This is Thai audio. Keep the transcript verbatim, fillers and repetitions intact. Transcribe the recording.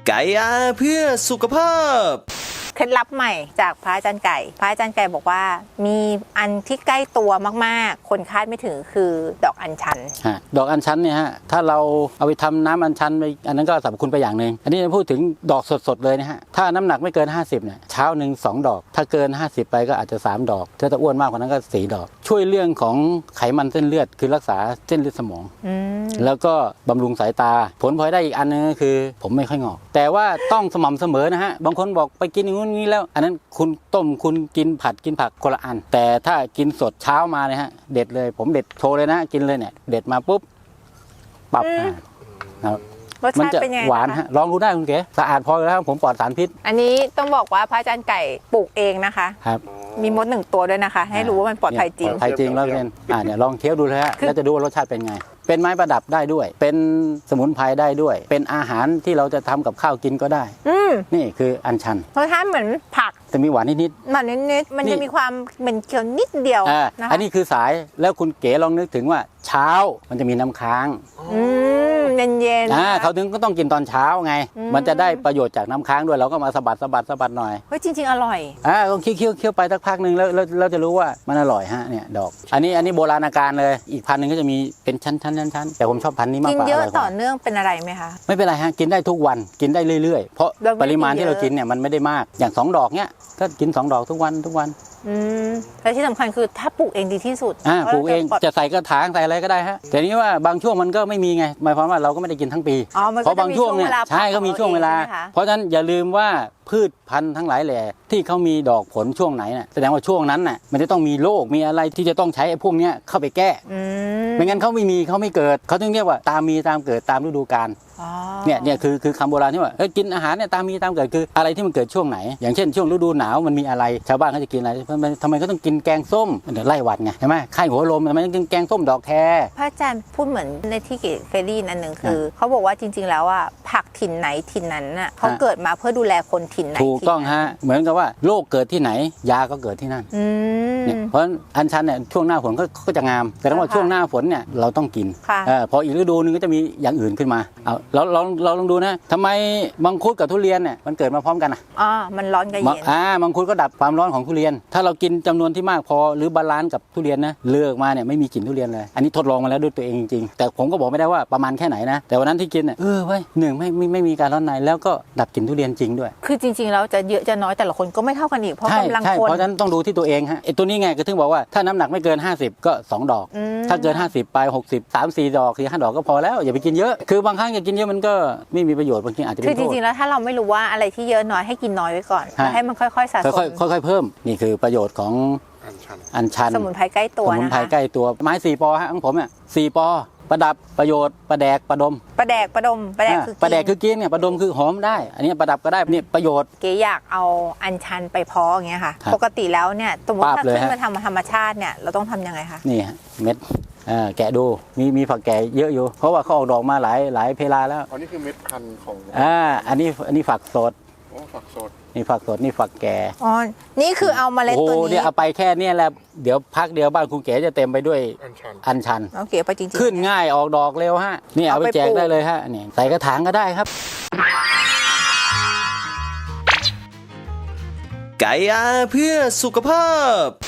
ไก่อาเพื่อสุขภาพเคล็ดลับใหม่จากพระอาจารย์ไก่พระอาจารย์ไก่บอกว่ามีอันที่ใกล้ตัวมากๆคนคาดไม่ถึงคือดอกอัญชันดอกอัญชันเนี่ยฮะถ้าเราเอาไปทำน้ำอัญชันไปอันนั้นก็สรรพคุณไปอย่างหนึ่งอันนี้พูดถึงดอกสดๆเลยนะฮะถ้าน้ำหนักไม่เกินห้าสิบเนี่ยเช้าหนึ่งสองดอกถ้าเกินห้าสิบไปก็อาจจะสามดอกถ้าจะอ้วนมากกว่านั้นก็สี่ดอกช่วยเรื่องของไขมันเส้นเลือดคือรักษาเส้นเลือดสมองแล้วก็บำรุงสายตาผลพลอยได้อีกอันนึงก็คือผมไม่ค่อยงอกแต่ว่าต้องสม่ำเสมอนะฮะบางคนบอกไปกินอย่างนู้นนี้แล้วอันนั้นคุณต้มคุณกินผัดกินผักคนละอันแต่ถ้ากินสดเช้ามาเนี่ยฮะเด็ดเลยผมเด็ดโชว์เลยนะกินเลยเนี่ยเด็ดมาปุ๊บปรับนะครับมันจะหวานฮะลองดูได้คุณเก๋สะอาดพอแล้วผมปลอดสารพิษอันนี้ต้องบอกว่าพระอาจารย์ไก่ปลูกเองนะคะครับมีมดหนึ่งตัวด้วยนะคะให้รู้ว่ามันปลอดภัยจริงปลอดภัยจริงแล้วเป็นอ่าเนี่ยลองเคี้ยวดูเลยฮะแล้วจะดูว่ารสชาติเป็นไงเป็นไม้ประดับได้ด้วยเป็นสมุนไพรได้ด้วยเป็นอาหารที่เราจะทำกับข้าวกินก็ได้นี่คืออัญชันรสชาติเหมือนผักจะมีหวานนิดๆหวานนิดๆมันจะมีความเป็นเคี้ยวนิดเดียวนะคะอันนี้คือสายแล้วคุณเก๋ลองนึกถึงว่าเช้ามันจะมีน้ำค้างอืมเย็นๆอ่าเขาถึงก็ต้องกินตอนเช้าไงมันจะได้ประโยชน์จากน้ำค้างด้วยเราก็มาสะบัดสะบัดสะบัดหน่อยเฮ้ยจริงๆอร่อยอ่าลองเคี้ยวเคี้ยวเคี้ยวไปสักพักหนึ่งแล้วเราจะรู้ว่ามันอร่อยฮะเนี่ยดอกอันนี้อันนี้โบราณการเลยอีกพันหนึ่งก็จะมีเป็นชั้นชั้นชั้นชั้นแต่ผมชอบพันนี้มากกว่ากินเยอะต่อเนื่องเป็นอะไรไหมคะไม่เป็นไรฮะกินได้ทุกวันกินได้เรื่อยๆเพราะปริมาณที่เรากินเนี่ยมันไม่ได้มากอย่างสองดอกเนี้ยก็กินสองดอกทุกวันทุกวันอืมและที่สำคัญคือถ้าปลูกเองดีที่สุดอ่าปลูกเองจะใส่กระถางใส่อะไรก็ได้ฮะแต่นี้ว่าบางช่วงมันก็ไม่มีไงหมายความว่าเราก็ไม่ได้กินทั้งปีเพราะบางช่วงเนี่ยใช่ก็มีช่วงเวลาเพราะฉะนั้นอย่าลืมว่าพืชพันธุ์ทั้งหลายแหล่ที่เขามีดอกผลช่วงไหนน่ะแสดงว่าช่วงนั้นน่ะมันจะต้องมีโรคมีอะไรที่จะต้องใช้ไอ้พวกนี้เข้าไปแก้ไม่งั้นเขาไม่มีเขาไม่เกิดเขาถึงเรียกว่าตามมีตามเกิดตามฤดูกาลเนี่ยเนี่ยคือคือคำโบราณที่ว่าเฮ้ยกินอาหารเนี่ยตามมีตามเกิดคืออะไรที่มันเกิดช่วงไหนอย่างเช่นช่วงฤดูหนาวมันมีอะไรชาวบ้านเขาจะกินอะไรทำไมเขาต้องกินแกงส้มเดี๋ยวไล่หวัดไงใช่ไหมไข้หัวลมทำไมต้องกินแกงส้มดอกแครพระอาจารย์พูดเหมือนในที่เกศเคยได้ยินอันหนึ่งคือเขาบอกว่าจริงๆแล้วอ่ะผักถิ่นไหนถิ่นนั้นน่ะเขาเกิดมาเพื่อดูแลคนถิ่นไหนถูกต้องฮะเหมือนกับว่าโรคเกิดที่ไหนยาก็เกิดที่นั่นเนี่ยเพราะอัญชันเนี่ยช่วงหน้าฝนก็จะงามแต่ว่าช่วงหน้าฝนเนี่ยเราต้องกินพออีกฤดูนึงก็จะมีอย่างอื่นขึ้นมาเอาเราลองเราลองดูนะทำไมมังคุดกับทุเรียนเนี่ยมันเกิดมาพร้อมกันอ่ะอ๋อมันร้อนกับเย็นอ่ามังคุดก็ดับความร้อนของทุเรียนถ้าเรากินจำนวนที่มากพอหรือบาลานซ์กับทุเรียนนะเลือกมาเนี่ยไม่มีกลิ่นทุเรียนเลยอันนี้ทดลองมาแล้วด้วยตัวเองจริงๆแต่ผมก็บอกไม่ได้ว่าประมาณแค่ไหนนะแต่วันนั้นที่กินเนี่ยเออเว้ยหนึ่งไม่ไม่ไม่มีการร้อนในแล้วก็ดับกลิ่นทุเรียนจริงด้วยคือจริงๆแล้วจะเยอะจะน้อยแต่ละคนก็ไม่เท่ากันอีกเพราะกำลังคนเพราะฉะนั้นต้องดูที่ตัวเองฮะไอ้ตัวนี้ไงก็ถึงบอกว่าถ้าน้ำหนักไม่เกินห้าสิบก็สองดอกถ้าเกินห้าสิบไปหกสิบ สาม สี่ดอกสี่ ห้าดอกก็พอแล้วอย่าไปกินเยอะคือบางครั้งอย่ากินเยอะมันก็ไม่มีประโยชน์บางทีอาจจะเป็นโทษคือจริงๆแล้วถ้าเราไม่รู้ว่าอะไรที่เยอะน้อยให้กินน้อยไว้ก่อนแล้วให้มันค่อยๆสะสมค่อยๆเพิ่มนี่คือประโยชน์ของอัญชันสมุนไพรใกล้ตัวนะคะสมุนไพรใกล้ตัวไม้สี่ปอฮะของผมเนี่ยสี่ปอประดับประโยชน์ประแดกประดมประแดกประดมประแดกคือประแดกคือกินเนี่ยประดมคือหอมได้อันนี้ประดับก็ได้เนี่ยประโยชน์เก๋อยากเอาอัญชันไปเพาะอย่างเงี้ยค่ะปกติแล้วเนี่ยสมมติถ้าขึ้นมาทำธรรมชาติเนี่ยเราต้องทำยังไงคะนี่ฮะเม็ดแกะดูมีมีฝักแก่เยอะอยู่เพราะว่าเขาออกดอกมาหลายหลายเพลาแล้วอันนี้คือเม็ดพันธุ์ของอ่าอันนี้อันนี้ฝักสดโอ้ฝักสดนี่ฝักสดนี่ฝักแก่อ๋อนี่คือเอาเมล็ดตัวนี้โอ้เนี่ยเอาไปแค่นี้แหละเดี๋ยวพักเดียวบ้านคุณเก๋จะเต็มไปด้วยอัญชันอัญชันโอเคไปจริงๆขึ้นง่ายออกดอกเร็วฮะนี่เอาไปแจกได้เลยฮะนี่ใส่กระถางก็ได้ครับไก่อาเพื่อสุขภาพ